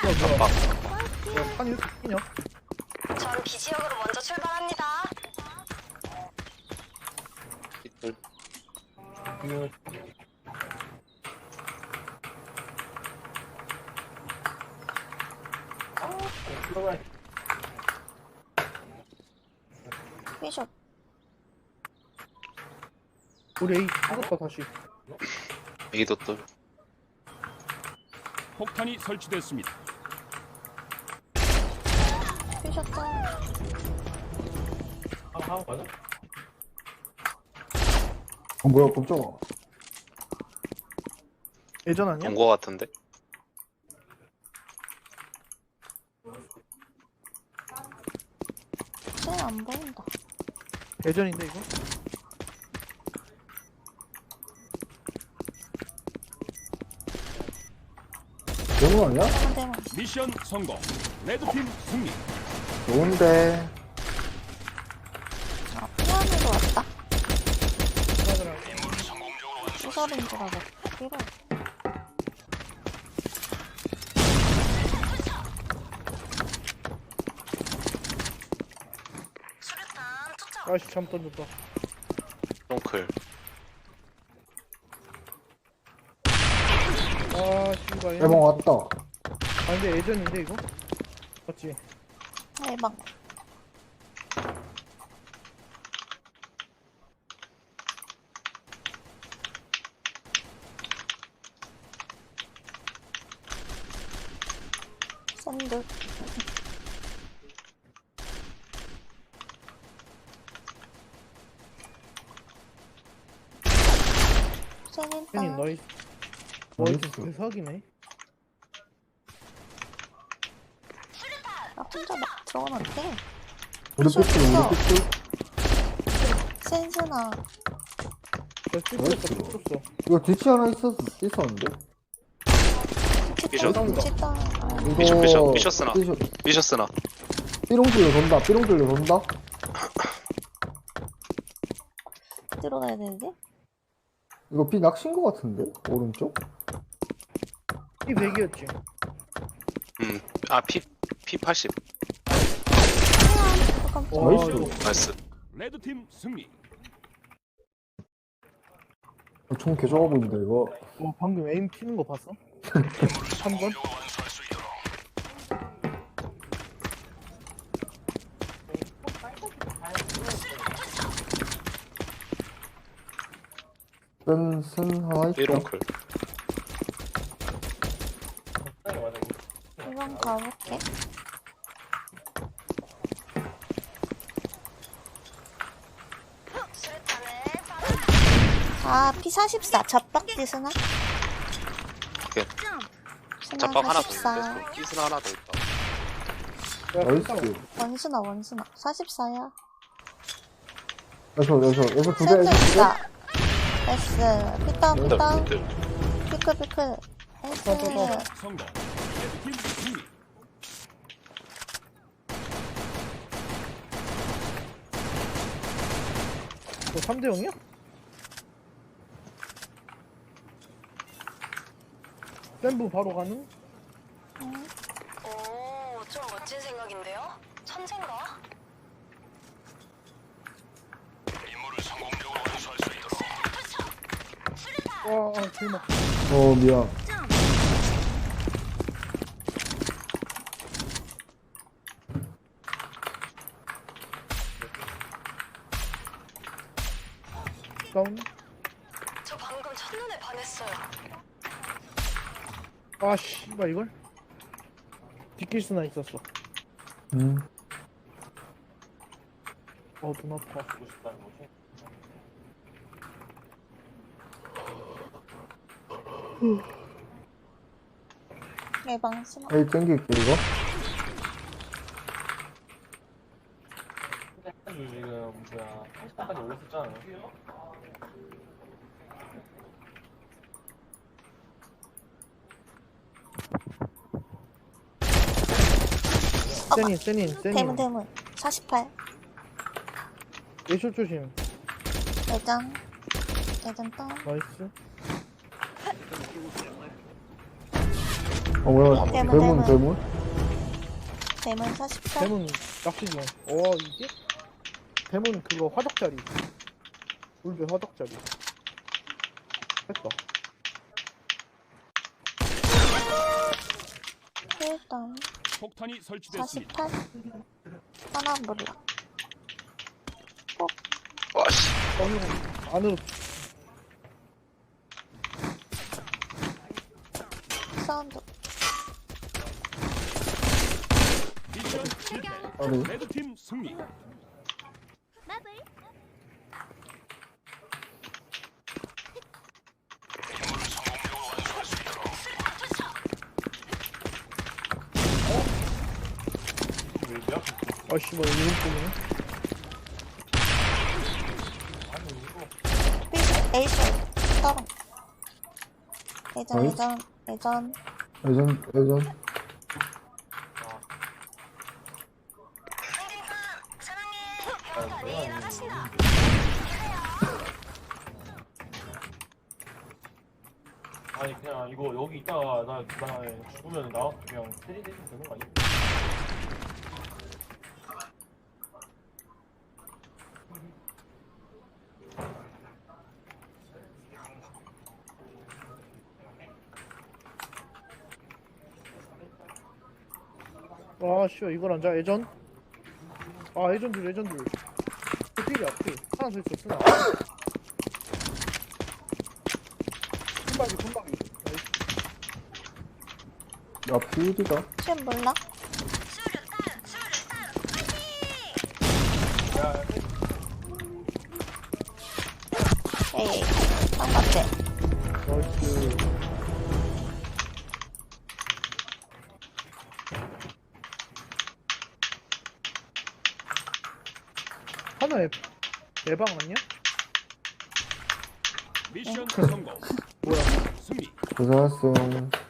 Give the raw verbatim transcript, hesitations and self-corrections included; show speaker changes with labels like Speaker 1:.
Speaker 1: 깜빡.
Speaker 2: 야, 판이 이렇게 크냐?
Speaker 3: 전 B지역으로 먼저 출발합니다.
Speaker 1: 빗돌.
Speaker 2: 이거
Speaker 3: 피숍.
Speaker 2: 우리 A 찍었다 다시.
Speaker 1: 이도돌.
Speaker 4: 폭탄이 설치됐습니다.
Speaker 3: 피숍 짤.
Speaker 5: 어, 뭐야, 깜짝아.
Speaker 2: 예전 아니야?
Speaker 1: 본거 같은데?
Speaker 3: 쟤안 보인다.
Speaker 2: 예전인데 이거?
Speaker 5: 영웅 아니야?
Speaker 3: 한대만.
Speaker 4: 미션 성공. 레드팀 승리.
Speaker 5: 좋은데.
Speaker 3: 아, 피아노도 왔다.
Speaker 2: 하더라.
Speaker 3: 수설인 줄 알고. 필요. 수류탄 투척.
Speaker 2: 아씨 잘못 던졌다.
Speaker 1: 똥클.
Speaker 2: 아 씨발.
Speaker 5: 대박 왔다.
Speaker 2: 아 근데 예전인데 이거? 맞지?
Speaker 3: 대박. 샌드. 샌드.
Speaker 2: 팬이 너희
Speaker 5: 나이스.
Speaker 2: 너희 대사기네.
Speaker 3: 나 혼자 막 들어가면 안 돼.
Speaker 5: 우리
Speaker 3: 저
Speaker 5: 삐뚤,
Speaker 3: 있어.
Speaker 5: 우리 삐뚤.
Speaker 3: 센스나.
Speaker 2: 나 찍었어 찍었어.
Speaker 5: 이거 뒤치 하나 있었, 있었는데?
Speaker 1: 삐셔.
Speaker 3: 치다. 아,
Speaker 5: 이거.
Speaker 1: 삐셔, 삐셔, 삐셔스나.
Speaker 5: 삐셔.
Speaker 1: 삐셨으나.
Speaker 5: 삐롱들려 돈다, 삐롱들려 돈다?
Speaker 3: 들어가야 되는데?
Speaker 5: 이거 삐 낚신 거 같은데? 오른쪽?
Speaker 2: 이 백이었지.
Speaker 1: 음. 아, 피, 피 팔십.
Speaker 3: 아, 깜짝이야.
Speaker 2: 와,
Speaker 5: 나이스.
Speaker 2: 이거
Speaker 1: 나이스.
Speaker 4: 레드팀 승리.
Speaker 5: 어, 총 개좋아 보인다, 이거.
Speaker 2: 와 방금 에임 튀는 거 봤어? 한 번?
Speaker 5: 쓴, 쓴 하나 있다.
Speaker 1: 삐롱클.
Speaker 3: 이건 가볼게. 아, 피 사십사. 잡박디 스나?
Speaker 1: 오케이.
Speaker 3: 스나
Speaker 1: 잡박 하나 더
Speaker 3: 사십사.
Speaker 1: 있어. 삐스나 하나 더 있다.
Speaker 2: 야,
Speaker 5: 나이스.
Speaker 3: 원스나, 원스나. 사십사야.
Speaker 5: 여기서, 여기서, 여기서 두 개,
Speaker 3: 센터
Speaker 5: 여기서 두 개?
Speaker 3: 있다. S. 피다운,
Speaker 1: 근데
Speaker 3: 피다운.
Speaker 1: 삐뚤.
Speaker 3: 피클, 피클. S.
Speaker 4: 성공. 레드팀 승리.
Speaker 2: 너 삼 대 영이야? 샘부 바로 가는?
Speaker 3: 오, 좀 멋진 생각인데요? 천재인가?
Speaker 2: 와, 아, 대박.
Speaker 5: 어, 미안.
Speaker 2: 다운.
Speaker 3: 저 방금 첫눈에 반했어요.
Speaker 2: 아, 씨발 이걸? 뒷길 수나 있었어.
Speaker 5: 음.
Speaker 2: 어, 눈 아파.
Speaker 3: 예방 스나.
Speaker 5: 에이, 땡길게, 이거.
Speaker 6: 지금 뭐야 팔십 단까지 올렸었잖아.
Speaker 2: 세닌, 세닌, 세닌.
Speaker 3: 대문, 대문. 사십팔.
Speaker 2: 예쇼 조심.
Speaker 3: 예전. 예전 다운.
Speaker 2: 나이스.
Speaker 5: 어 뭐야
Speaker 3: 대문,
Speaker 5: 대문
Speaker 3: 대문.
Speaker 5: 대문
Speaker 3: 대문 사십팔.
Speaker 2: 대문 낚시중. 어 이게? 대문 그거 화덕자리. 울베 화덕자리. 했다.
Speaker 3: 일단
Speaker 4: 폭탄이 설치됐습니다.
Speaker 3: 사십팔. 하나 몰라.
Speaker 1: 와씨.
Speaker 2: 안으로 안으로
Speaker 3: 사운드.
Speaker 4: 미션 실패.
Speaker 5: 아니
Speaker 4: 레드팀 승리.
Speaker 6: 왜냐?
Speaker 2: 아씨 뭐 이런 쪽이네.
Speaker 6: 아니 이거
Speaker 3: 삐 에이션 따로. 예전
Speaker 5: 어이?
Speaker 3: 예전 예전.
Speaker 5: 예전 예전
Speaker 6: 아니 그냥 이거 여기 있다가 나, 나 죽으면 나 그냥 때리대면 되는 거 아니야?
Speaker 2: 아 씨발 이걸 안 자. 예전. 아 예전 둘 예전 둘. 필이야 필. 하나 더 있어 쓰나. 손박이 손박이.
Speaker 5: 야 피우디가
Speaker 3: 지금 몰라? 에이 쌍박대.
Speaker 2: 나이스. 하나에 내방 아니야?
Speaker 4: 미션 성공.
Speaker 2: 뭐야?
Speaker 4: 승리.
Speaker 5: 고생했어요